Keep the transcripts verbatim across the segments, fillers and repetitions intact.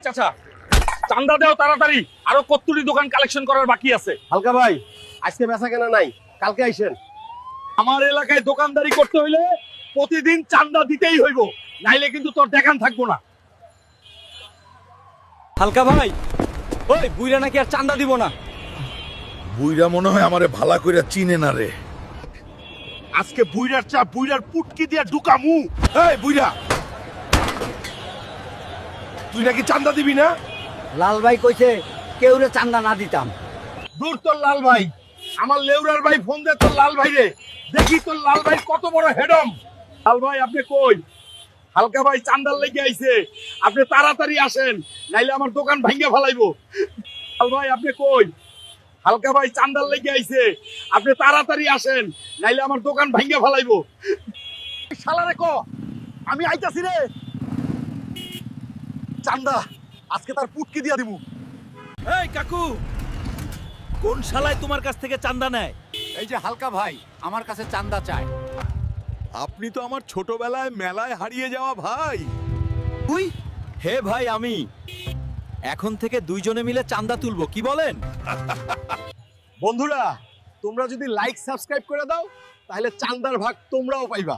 চাচা চান্দা দেও তাড়াতাড়ি, আরো কতটি দোকান কালেকশন করার বাকি আছে। হালকা ভাই আজকে বেচা কেনা নাই, কালকে আইসেন। আমার এলাকায় দোকানদারি করতে হইলে প্রতিদিন চান্দা দিতেই হইব, নাইলে কিন্তু তোর দেখান থাকবো না। হালকা ভাই, ওই বুইরা নাকি আর চান্দা দিব না। বুইরা মনে হয় আমারে ভালা কইরা চিনে না রে। আজকে বুইরার চা বুইরার পুটকি দিয়া ঢুকামু। এই বুইরা, তুই নাকি চান্দা দিবি না? লাল ভাই কইছে কেউরে চান্দা না দিতাম। দূর তোর লাল ভাই, আমার লেউরার ভাই ফোন দে তোর লাল ভাই রে, দেখি তোর লাল ভাই কত বড় হেডম। লাল ভাই আপনি কই? হালকা ভাই চান্দার লেগে আইছে, আপনি তাড়াতাড়ি আসেন, নাইলে আমার দোকান ভাঙ্গে ফেলাইবো। লাল ভাই আপনি কই? হালকা ভাই চান্দার লেগে আইছে, আপনি তাড়াতাড়ি আসেন, নাইলে আমার দোকান ভাঙ্গে ফেলাইবো। শালারে ক আমি আইতাছি রে। চান্দা আজকে তার পুটকি দিয়া দিমু। এই কাকু, কোন শালায় তোমার কাছ থেকে চান্দা নেয়? এই যে হালকা ভাই আমার কাছে চান্দা চায়। আপনি তো আমার ছোটবেলায় মেলায় হারিয়ে যাওয়া ভাই। তুই? হে ভাই, আমি এখন থেকে দুইজনে মিলে চান্দা তুলবো, কি বলেন? বন্ধুরা তোমরা যদি লাইক সাবস্ক্রাইব করে দাও তাহলে চান্দার ভাগ তোমরাও পাইবা।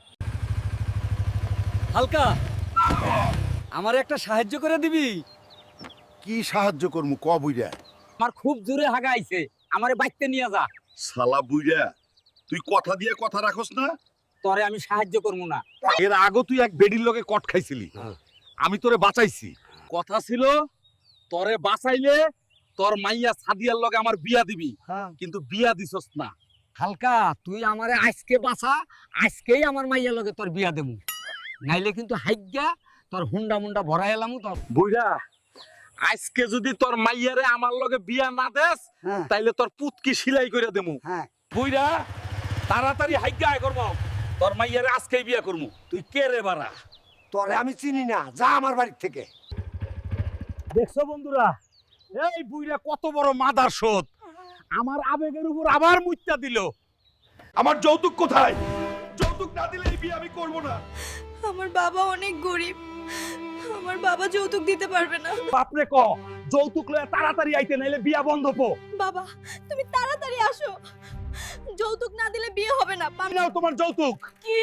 হালকা, আমার একটা সাহায্য করে দিবি? কি সাহায্য করমু ক বুইরা? আমার খুব জোরে হাগা আইছে, আমারে বাইতে নিয়ে যা। শালা বুইরা, তুই কথা দিয়ে কথা রাখস না। তরে আমি সাহায্য করবো না। এর আগে তুই এক বেডির লগে কট খাইছিলি, আমি তোরে বাঁচাইছি। কথা ছিল তোরে বাঁচাইলে তোর মাইয়া সাদিয়ার লগে আমার বিয়া দিবি, কিন্তু বিয়া দিছস না। হালকা তুই আমারে আজকে বাঁচা, আজকেই আমার মাইয়া লগে তোর বিয়া দেবো, নাইলে কিন্তু হাইগা তোর হুন্ডা মুন্ডা ভরাই এলাম। তোর বুইরা আজকে যদি তোর মাইয়ারে আমার লগে বিয়া না দেস, হ্যাঁ। তাইলে তোর পুতকি সিলাই করে দেমু। হ্যাঁ বুইরা তাড়াতাড়ি হাইগা আয় করবো, তোর মাইয়ারে আজকেই বিয়া করমু। তুই কে রে বাড়া? তরে আমি চিনি না, যা আমার বাড়ির থেকে। দেখছো বন্ধুরা, এই বুইরা কত বড় মাদার শোধ, আমার আবেগের উপর আবার মুইত্যা দিল। আমার যৌতুক কোথায়? যৌতুক না দিলে এই বিয়ে আমি করব না। আমার বাবা অনেক গরিব, আমার বাবা যৌতুক দিতে পারবে না। বাপরে ক যৌতুক লয়ে তাড়াতাড়ি আইতে, নাইলে বিয়া বন্ধ পো। বাবা তুমি তাড়াতাড়ি আসো, যৌতুক না দিলে বিয়ে হবে না। পাম- নাও তোমার যৌতুক। কি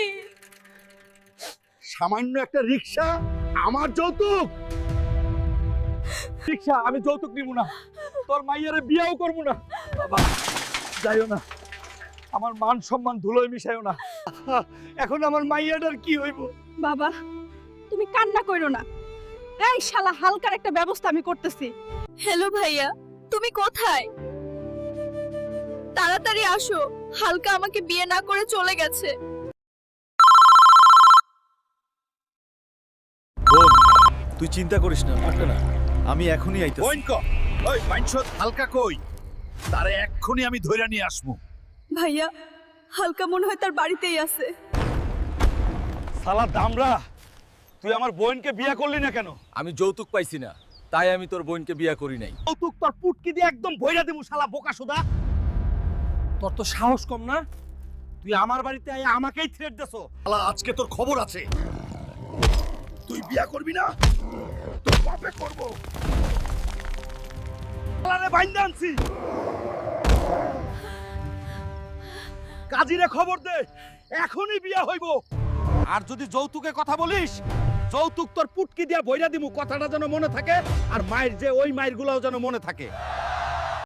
সামান্য একটা রিকশা আমার যৌতুক? রিকশা আমি যৌতুক নিব না, তোর মাইয়ারে বিয়াও করব না। বাবা যাইও না, আমার মান সম্মান ধুলোয় মিশাইও না। এখন আমার মাইয়াটার কি হইব? বাবা তুমি কান্না করো না, এই শালা হালকার একটা ব্যবস্থা আমি করতেছি। হ্যালো ভাইয়া, তুমি কোথায়? তাড়াতাড়ি আসো, হালকা আমাকে বিয়ে না করে চলে গেছে। বোন, তুই চিন্তা করিস না, পারবে না, আমি এখনই আইতাছি। বইন ক, ওই মাইনছত হালকা কই? তারে এক্ষুনি আমি ধইরা নিয়ে আসবো। ভাইয়া হালকা মনে হয় তার বাড়িতেই আছে। শালা দামরা, তুই আমার বোনকে বিয়া করলি না কেন? আমি যৌতুক পাইছি না, তাই আমি তোর বোনকে বিয়া করি নাই। যৌতুক তোর পুটকি দিয়ে একদম বইরা দেবো শালা বোকাসোদা। তোর তো সাহস কম না, তুই আমার বাড়িতে আয় আমাকেই থ্রেট দেছো। শালা আজকে তোর খবর আছে। তুই বিয়া করবি না, তোর বাপে করব। শালারে বাইন্দা আনছি, কাজীরে খবর দে, এখনই বিয়া হইব। আর যদি যৌতুকের কথা বলিস, যৌতুক তোর পুটকি দিয়া বইরা দিমু, কথাটা যেন মনে থাকে, আর মায়ের যে ওই মায়ের গুলাও যেন মনে থাকে।